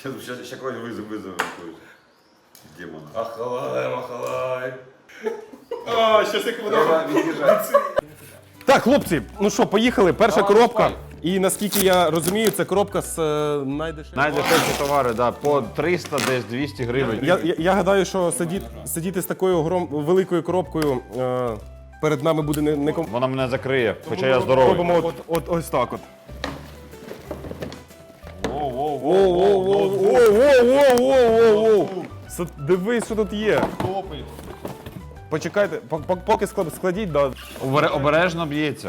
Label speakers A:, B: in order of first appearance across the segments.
A: Сейчас какой вызовем какой-то демона.
B: Ахалай.
C: А, щас як воно. Так, хлопці, ну що, поїхали. Перша коробка. І наскільки я розумію, це коробка з найдешевших.
B: Найдешевші товари, да, по 300, десь 200 гривень.
C: Я гадаю, що сидіти з такою великою коробкою перед нами буде не
B: Вона мене закриє, хоча я здоровий.
C: Робимо ось так от. Дивись, що тут є. Почекайте, поки складіть, да.
B: Обережно б'ється.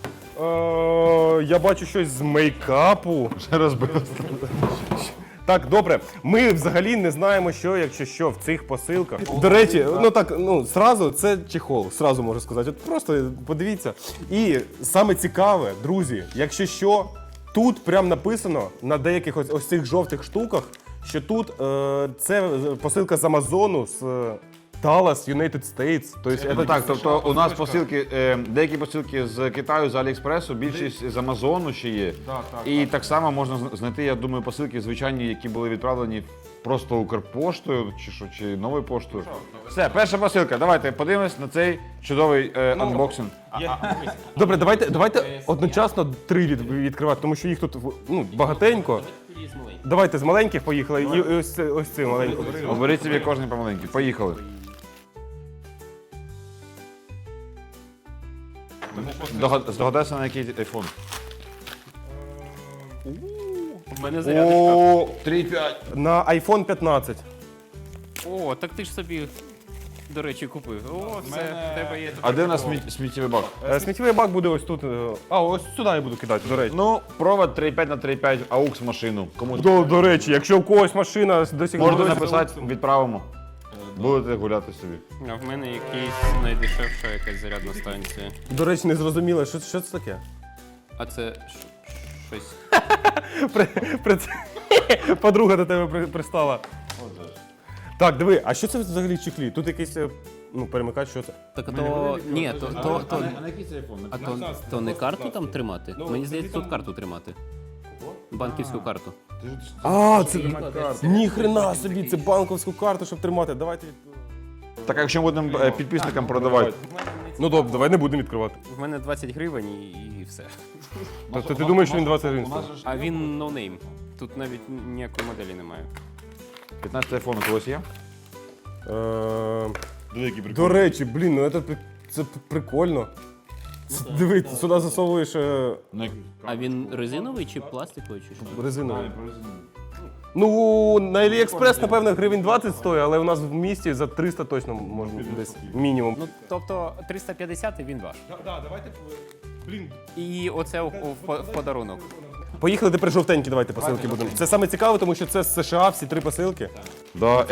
C: Я бачу щось з мейкапу.
B: Вже розбилося.
C: Так, добре. Ми взагалі не знаємо, що, якщо що, в цих посилках. До речі, зразу це чехол, зразу можу сказати. От просто подивіться. І саме цікаве, друзі, якщо що, тут прям написано на деяких ось цих жовтих штуках, що тут це посилка з Амазону, з Dallas, United States.
B: Тобто у нас посилки, деякі посилки з Китаю, з Аліекспресу, більшість з Амазону ще є. І так само можна знайти, я думаю, посилки звичайні, які були відправлені просто Укрпоштою чи новою поштою. Все, перша посилка. Давайте подивимось на цей чудовий анбоксинг.
C: Добре, давайте одночасно 3 відкривати, тому що їх тут багатенько. Давайте з маленьких поїхали і ось цей маленький.
B: Оберіть собі кожен помаленький. Поїхали. Здогадайся, на який айфон.
D: У мене зарядочка.
B: 3,5.
C: На iPhone 15.
D: О, так ти ж собі, до речі, купив. О, все, в тебе є.
B: А де у нас сміттєвий бак?
C: Сміттєвий бак буде ось тут. Ось сюди я буду кидати, до речі.
B: Ну, провод 3,5 на 3,5, AUX машину. Комусь
C: До речі, якщо в когось машина досі
B: можете написати, відправимо. Будете гуляти собі.
D: А в мене якийсь найдешевша якась зарядна станція.
C: До речі, не зрозуміло, що це таке?
D: А це щось.
C: Подруга до тебе пристала. Так, диви, а що це взагалі в чехлі? Тут якийсь перемикач, що це?
D: Так то. Ні,
B: на який це айфон?
D: то не карту там тримати? Мені здається, тут карту тримати. Банківську карту.
C: А, це ніхрена собі, це банківську карту, щоб тримати. Давайте.
B: Так, а якщо будемо підписникам продавати?
C: Ну добре, давай не будемо відкривати.
D: В мене 20 гривень і все.
C: Тобто ти думаєш, що він 20 гривень стоїть?
D: А він ноунейм. Тут навіть ніякої моделі немає.
B: 15 айфон у когось є?
C: До речі, блін, ну це прикольно. Диви, сюди засовуєш
D: А він резиновий чи пластиковий, чи що?
C: резиновий. Ну, на AliExpress, напевно, гривень 20 стоїть, але у нас в місті за 300 точно можна десь мінімум.
D: Ну, тобто 350 і він ваш.
C: Так, давайте, блін.
D: І оце в подарунок.
C: Поїхали тепер жовтенькі, давайте посилки будемо. Це саме цікаве, тому що це з США всі 3 посилки.
B: Да,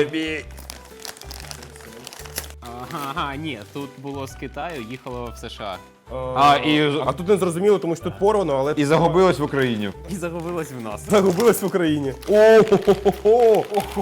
D: Ага, ні, тут було з Китаю, їхало в США.
C: А тут не зрозуміло, тому що тут порвано, але
B: І загубилось в Україні.
D: І загубилось в нас.
C: загубилось в Україні. О-хо-хо-хо!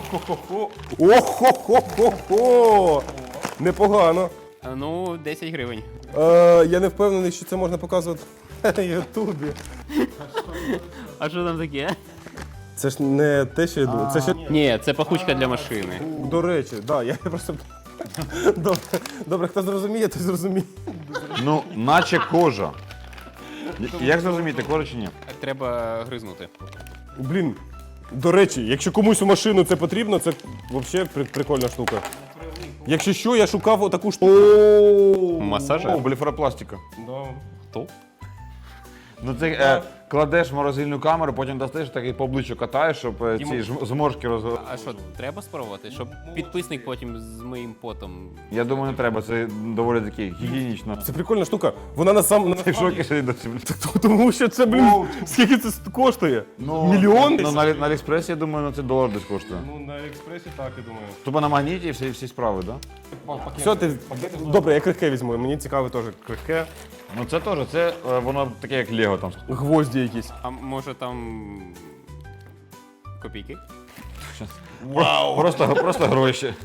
C: Охо-хо-хо-хо! Непогано.
D: Ну, 10 гривень.
C: Я не впевнений, що це можна показувати на Ютубі.
D: А що там таке?
C: Це ж не те, що я думаю. Це ще,
D: Ні, це пахучка для машини.
C: до речі, я просто. Добре, хто зрозуміє, той зрозуміє.
B: Ну, наче кожа. Як зрозуміти, кожа чи ні?
D: Треба гризнути.
C: Блін, до речі, якщо комусь у машину це потрібно, це взагалі прикольна штука. Якщо що, я шукав отаку штуку.
D: Масажер?
B: Блефаропластика.
D: Хто?
B: Ну це кладеш в морозильну камеру, потім достаєш, так і по обличчю катаєш, щоб ці зморшки розвели.
D: А що, треба спробувати? Щоб підписник потім з моїм потом.
B: Я думаю, не треба, це доволі таки гігієнічно.
C: Це прикольна штука. Вона на
B: Ти в шокі сидить досі.
C: тому що це, блін, скільки це коштує? Мільйон?
B: Ну, на Аліекспресі, я думаю, це $1 десь коштує.
C: Ну, на Аліекспресі так, я думаю.
B: Тобто на магніті і всі справи, так? Да?
C: Все, добре, я крихке візьму, мені цікаве теж крихке.
B: Ну це теж, це воно таке як Лего там.
C: Гвозді якісь.
D: А може там. Копійки?
B: Вау! Просто гроші.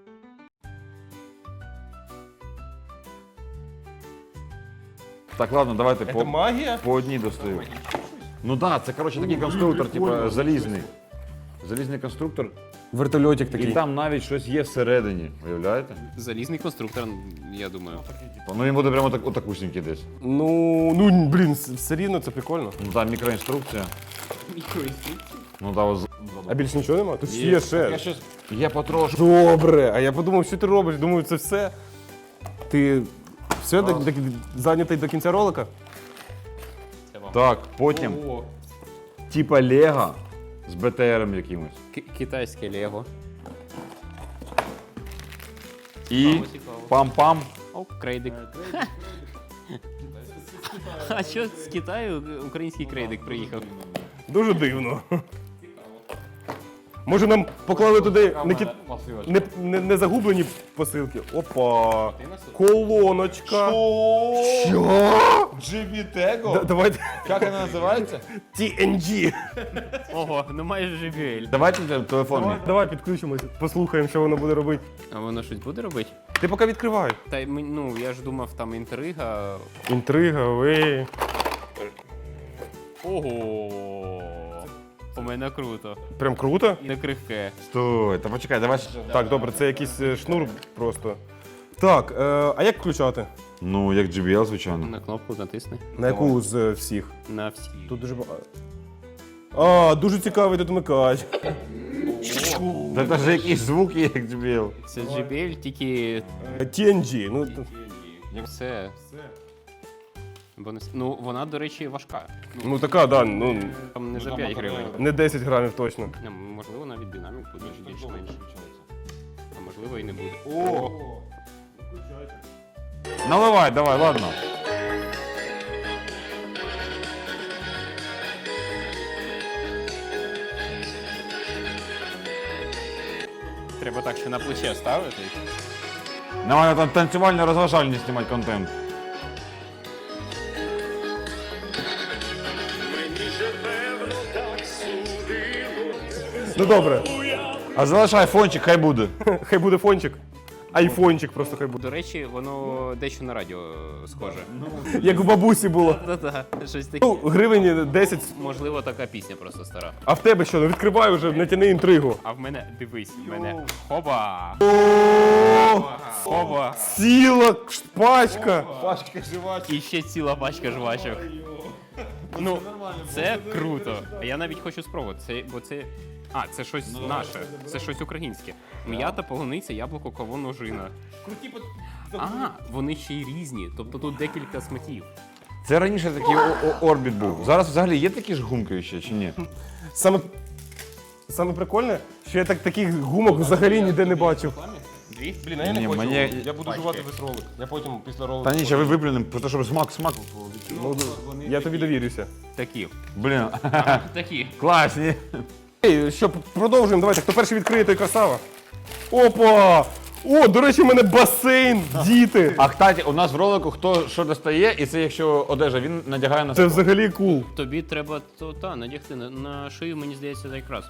B: Так, ладно, давайте
C: Це магія?
B: по одній достаю. Ну так, це коротше такий конструктор, типу залізний. залізний конструктор,
C: Вертольотик
B: і
C: такий.
B: там навіть щось є всередині. Уявляєте?
D: Залізний конструктор, я думаю.
B: Ну він буде прямо отакусінький десь.
C: Ну, блін, все рівно це прикольно.
B: Ну там мікроінструкція. Ну там ось.
C: А більше нічого нема? Тут є ще.
B: Я потрошку.
C: Добре, а я подумав, що ти робиш? Думаю, це все. Ти все зайнятий до кінця ролика?
B: Так, потім. Типа Лего з БТРом якимось.
D: Китайське Лего.
B: І пам-пам.
D: О, крейдик. А що з Китаю український крейдик приїхав?
C: Дуже дивно. Може нам поклали туди не загублені посилки? Опа! Колоночка! Що?
B: GBTEGO?
C: Давайте
B: Як вона називається?
C: TNG.
D: Ого, ну майже JBL.
B: Давайте телефон мій.
C: Давай підключимося, послухаємо, що воно буде робити.
D: А воно щось буде робити?
C: Ти поки відкривай.
D: Та ну я ж думав, там інтрига.
C: Інтрига, ви.
D: Ого. У мене круто.
C: Прям круто.
D: Не крихке.
B: Стой, та почекай, давай.
C: Так, добре, це якийсь шнур просто. Так, а як включати?
B: Ну, як JBL, звичайно.
D: На кнопку натисни.
C: На яку з всіх?
D: На всі.
C: Тут дуже багато. А, дуже цікавий тут вмикач.
B: Та це ж якийсь звук є, як JBL.
D: Це JBL, тільки
C: TNG. Ну,
D: все. Ну, вона, до речі, важка.
C: ну така, да, ну
D: Там не за 5 гривень.
C: не 10 грамів точно.
D: Можливо, навіть динамік буде більш-менш. А можливо і не буде. О!
B: Наливай, давай, ладно.
D: Треба так ще на плече ставити.
B: Давай там танцювально-розважальний знімати контент.
C: Ну добре,
B: А залишай фончик, хай буде.
C: хай буде фончик. Айфончик просто хай буде.
D: До речі, воно дещо на радіо схоже.
C: Як у бабусі було.
D: Та-та, щось таке.
C: Ну, гривень 10.
D: Можливо, така пісня просто стара.
C: А в тебе що? Ну відкривай вже, натяни інтригу.
D: А в мене, дивись, в мене хоба! Хоба!
C: Ціла пачка.
D: І ще ціла пачка жвачок. Ну, це круто. Я навіть хочу спробувати. Бо це. А, це щось наше, це щось українське. М'ята, полуниця, яблуко, кавун, ожина. А, вони ще й різні. Тобто тут декілька смаків.
B: Це раніше такий орбіт був. Зараз взагалі є такі ж гумки ще чи ні?
C: Саме прикольне, що я таких гумок взагалі ніде не бачив.
D: Дві?
C: Блін, а я не
B: Ні,
C: хочу.
B: мені-
C: Я буду жувати весь ролик. Я потім після ролику.
B: Та ні, ще ви виплюнемо, просто щоб смак.
C: Ну, я тобі довірюся.
D: Такі.
B: Блін,
D: Такі.
B: класні.
C: Ей, що, продовжуємо, давайте. Хто перший відкриє, той красава. Опа! О, до речі, у мене басейн, діти.
B: А кстати, у нас в ролику хто що достає, і це якщо одежа, він надягає на
C: Це
B: себе.
C: взагалі кул.
D: Тобі треба надягти на шию, мені здається, це якраз.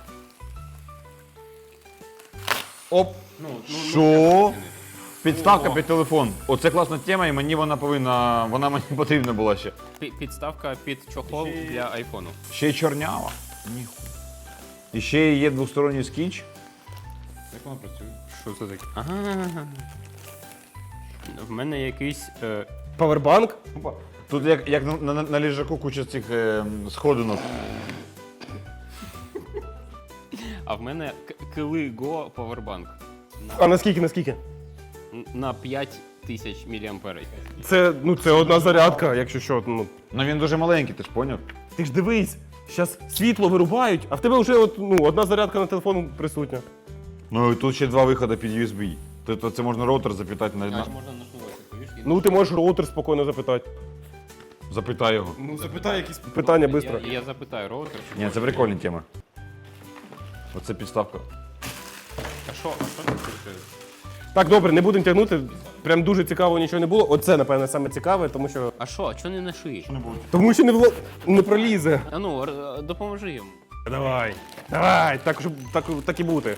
B: Оп. Що? Підставка під телефон. Оце класна тема, і мені вона мені потрібна була ще.
D: Підставка під чохол для айфону.
B: Ще й чорнява. Ніхуя. І ще є двосторонній скіч. Як вона працює?
D: Що це таке? Ага. В мене якийсь.
C: Павербанк.
B: Тут як на ліжаку куча цих сходинок.
D: А в мене Кили-Го Powerbank.
C: А наскільки?
D: На 5000 мАh.
C: Це одна зарядка, якщо що. Ну.
B: Ну він дуже маленький, ти ж поняв?
C: Ти ж дивись, зараз світло вирубають, а в тебе вже одна зарядка на телефон присутня.
B: Ну і тут ще два виходи під USB. Тобто це можна роутер запитати на.
D: Можна нашнувати, повіж?
C: Ну ти можеш роутер спокійно запитати.
B: Запитай його.
C: Ну запитай якісь питання швидко.
D: Я запитаю роутер.
B: Ні, це прикольна тема. Оце підставка.
D: А що це таке?
C: Так, добре, не будемо тягнути. Прям дуже цікаво нічого не було. Оце, напевно, саме цікаве, тому що.
D: А що не на шиї?
C: Тому що не пролізе.
D: А ну, допоможи йому.
C: Давай, так, щоб так і бути.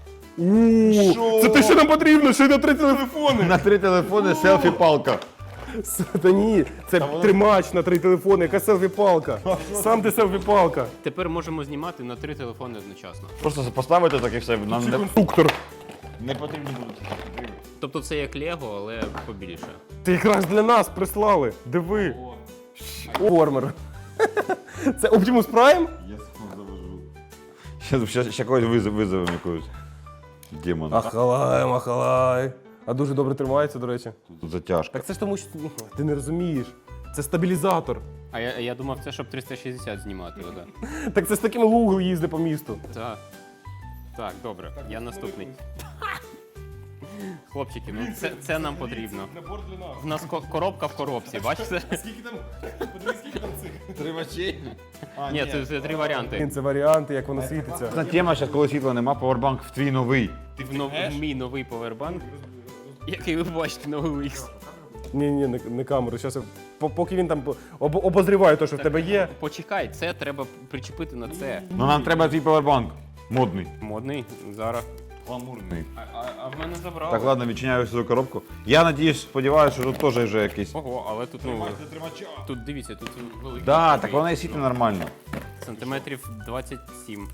C: Це те, що нам потрібно, ще й на 3 телефони.
B: На 3 телефони селфі-палка.
C: Та ні, це тримач на 3 телефони, яка селфі-палка. Сам ти селфі-палка.
D: Тепер можемо знімати на 3 телефони одночасно.
B: Просто поставити так і все. Нам
C: Конструктор.
B: не потрібно буде.
D: Тобто це як Лего, але побільше.
C: Ти якраз для нас прислали. Диви. Формер. Це Optimus Prime?
A: Я сам завожу.
B: Ще когось визовемо якогось демона.
C: Ахалай, махалай. А дуже добре тримається, до речі.
B: Тут затяжка.
C: Так це ж тому, що ти не розумієш. Це стабілізатор.
D: А я думав, це щоб 360 знімати. Да.
C: Так це з таким лугом їздить по місту.
D: Так. Так, добре. Я наступний. Хлопчики, ну це нам потрібно.
C: Набор для нас.
D: В нас коробка в коробці, бачите?
C: Скільки там? Подивись, скільки там цих.
B: Тримачі?
D: Ні, це 3 варіанти.
C: Це варіанти, як воно світиться.
B: Одна тема, зараз, коли світла нема, павербанк в твій новий.
D: В мій новий повербанк, який ви бачите на OLX.
C: Ні, не камеру. Зараз поки він там обозріває те, що в тебе є.
D: Почекай, це треба причепити на це.
B: Ну нам треба твій павербанк. Модний.
D: Модний, зараз.
B: Гламурний.
D: А в мене забрали.
B: Так, ладно, відчиняю свою коробку. Я надіюсь, сподіваюся, що тут теж вже якийсь.
D: Ого, але тут, ну, тут дивіться, тут великий.
B: Да, так вона і світить нормально.
D: Сантиметрів 27.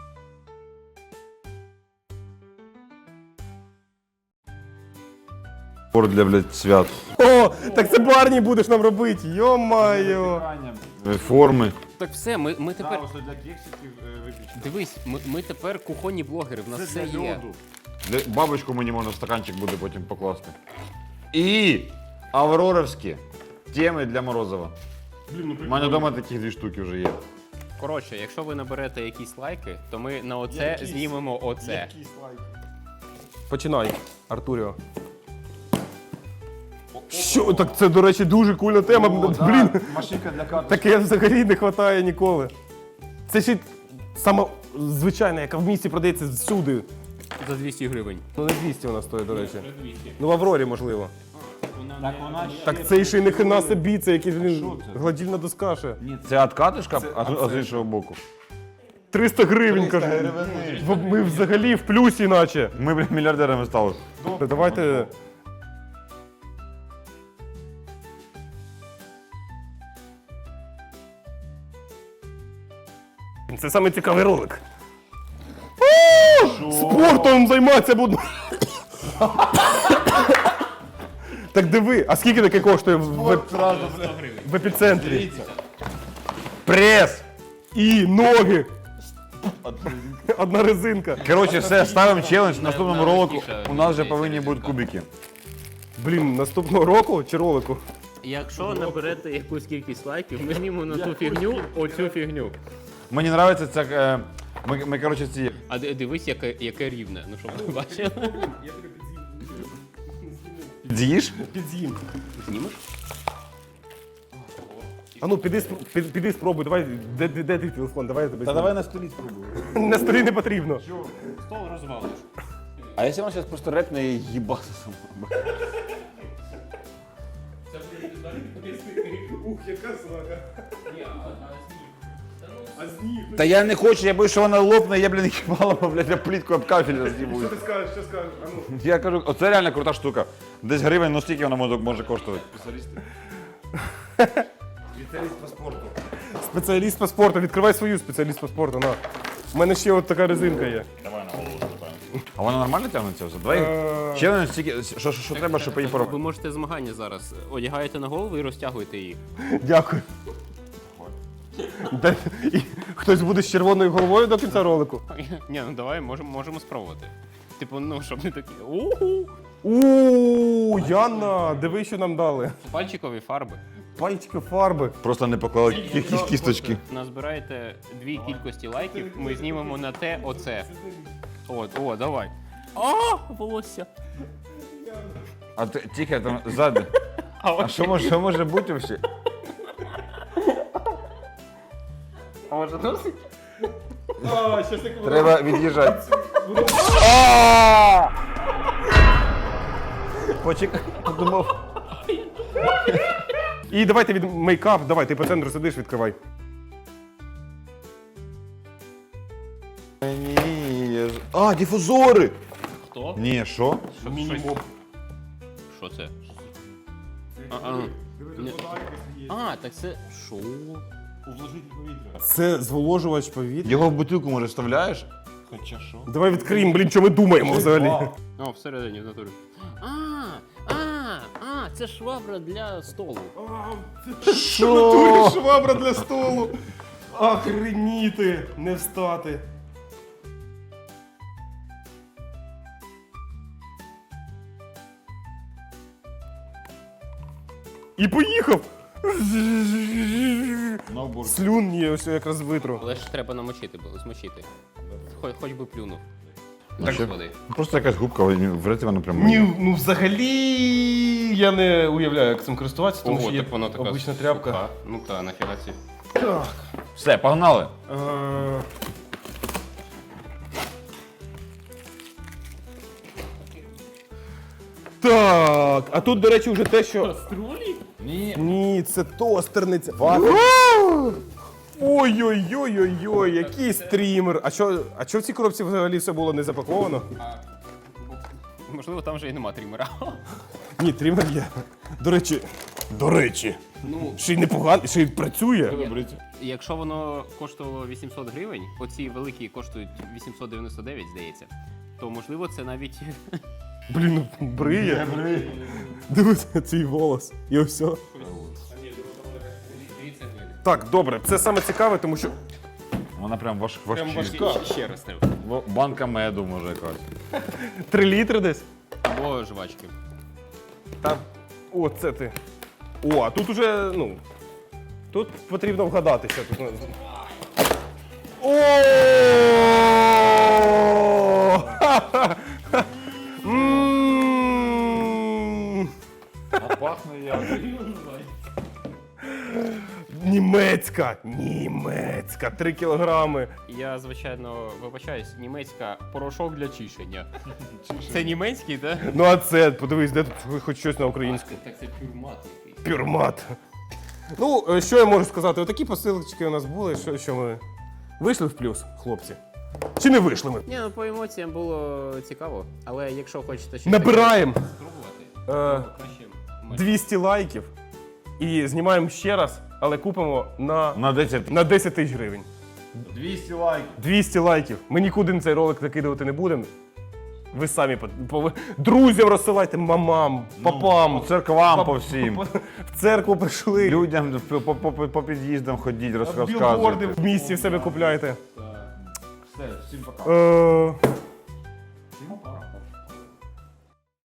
B: Пор для, блядь, свят.
C: О, так це Барні будеш нам робити. Йо-майо.
B: Форми.
D: Так все, ми тепер.
B: для кексиків виключно.
D: Дивись, ми тепер кухонні блогери, в нас все є.
B: Бабочку мені можна в стаканчик буде потім покласти. І авроровські теми для Морозова. У мене вдома таких 2 штуки вже є.
D: Коротше, якщо ви наберете якісь лайки, то ми на оце знімемо оце.
C: Починай, Артуріо. Що? Так це, до речі, дуже кульна тема. Блін,
B: Машинка для карти.
C: таке взагалі не вистачає ніколи. Це ще сама звичайна, яка в місті продається всюди.
D: За 200 гривень.
C: Ну не 200 вона стоїть, до речі. Ну в Аврорі, можливо.
B: Так вона ще...
C: Так це ще й не хрена собі, це якийсь, блін, гладільна доска ще.
B: Ні, це откатишка, а з іншого боку.
C: 300 гривень, каже. Ми взагалі в плюсі наче.
B: Ми, блін, мільярдерами стали.
C: Давайте... Це саме цікавий ролик. Спортом займатися буду. Так диви, а скільки таке коштує в епіцентрі?
B: Прес!
C: І ноги. Одна резинка.
B: Коротше, все, ставимо челендж. В наступному ролику у нас вже повинні бути кубики.
C: Блін, наступного року чи ролику?
D: Якщо наберете якусь кількість лайків, ми знімемо на ту фігню, оцю фігню.
B: Мені подобається це... Ми, коротше, ці...
D: А дивись, яке рівне. Ну, щоб ви бачили.
B: З'їш?
C: Під'їм.
D: Знімеш?
C: А ну, піди спробуй, давай, де твій телефон, давай я тебе зніму.
B: на столі спробуємо.
C: На столі не потрібно.
D: Стол розвалиш.
B: А якщо вона зараз просто репне і їбати сама?
C: Ух, яка срака. А сніг?
B: Та я не хочу, я боюсь, що вона лопне, я, блін, їбала, блядь, я плітку об кафель роз'їбую.
C: Що ти скажеш, що скажеш? А ну.
B: Я кажу, оце реально крута штука. Десь гривень, ну стільки вона може коштувати.
C: Спеціаліст по спорту, відкривай свою спеціаліст по спорту, на. У мене ще от така резинка є.
B: А вона нормально тягнеться вже? Давай челендж стільки, що треба, щоб її
D: Ви
B: поробити.
D: можете змагання зараз. Одягаєте на голову і розтягуєте її.
C: Дякую. І хтось буде з червоною головою до кінця ролику?
D: Ні, ну давай, можемо спробувати. Типу, ну, щоб не такі. Уху!
C: Ууу, Яна, диви, що нам дали.
D: Пальчикові фарби.
C: Пальчики фарби.
B: Просто не поклали кісточки.
D: Назбираєте 2 кількості лайків, ми знімемо на те оце. О, давай. А, волосся.
B: А ти, тихо, там ззаду. А що може бути взагалі?
D: А може досить?
B: Треба від'їжджати. Почекай, подумав.
C: І давайте від мейкап, давай, ти по центру сидиш, відкривай.
B: Ні. А, дифузори!
D: Хто?
B: Ні, що?
D: Що це? Так це що?
C: Це зволожувач повітря.
B: Його в бутилку, може, вставляєш?
D: Хоча що?
C: Давай відкриємо, блін, що ми думаємо взагалі.
D: О, всередині, в натурі. Це швабра для столу.
C: Що? Швабра для столу. Охреніти, не встати. І поїхав. Слюн є, ось якраз витру.
D: Але ж треба намочити, змочити. Хоч би плюнув.
B: Так,
D: води.
B: Просто якась губка, вряд вона прямо.
C: Ні, ну взагалі я не уявляю, як цим користуватися, тому що є
D: так воно така
C: обична тряпка.
D: суха. Ну та, нафіга ці.
C: Так.
B: Все, погнали.
C: Так, а тут, до речі, вже те, що.
D: Каструлі?
C: Ні, це тостерниця. Ой-ой-ой-ой-ой, який стрімер. А що в цій коробці взагалі все було не запаковано?
D: Можливо, там вже і нема трімера.
C: Ні, трімер є. До речі, ще й непогано, ще й працює.
D: Якщо воно коштувало 800 гривень, оці великі коштують 899, здається, то можливо це навіть.
C: Блін, ну бриє. Дивися, цей волос. І ось все. Так, добре, це саме цікаве, тому що.
B: Вона прям важка.
D: Ще раз треба.
B: Банка меду, може, якась.
C: 3 літри десь?
D: Або жвачки.
C: Там. О, це ти. О, а тут уже, ну. Тут потрібно вгадати, що тут. О!
B: А пахне як.
C: Німецька, 3 кілограми.
D: Я, звичайно, вибачаюсь, німецька порошок для чищення. Це німецький, так?
C: Ну а це, подивись, де тут хоч щось на українську.
D: Так це пюрмат якийсь.
C: Пюрмат. Ну, що я можу сказати? Отакі посилочки у нас були, що ми вийшли в плюс, хлопці. Чи не вийшли ми?
D: Ні, ну по емоціям було цікаво, але якщо хочете ще
C: Набираємо
D: спробувати, краще
C: 200 лайків і знімаємо ще раз, але купимо
B: На 10.
C: на 10 тисяч гривень.
B: 200 лайків.
C: 200 лайків. Ми нікуди цей ролик закидувати не будемо. Ви самі друзям розсилайте, мамам, папам.
B: По церквам, по всім.
C: В церкву прийшли.
B: Людям по під'їздам ходіть,
C: Білборди
B: розказуйте.
C: в місті в себе купляйте.
B: Все, всім пока.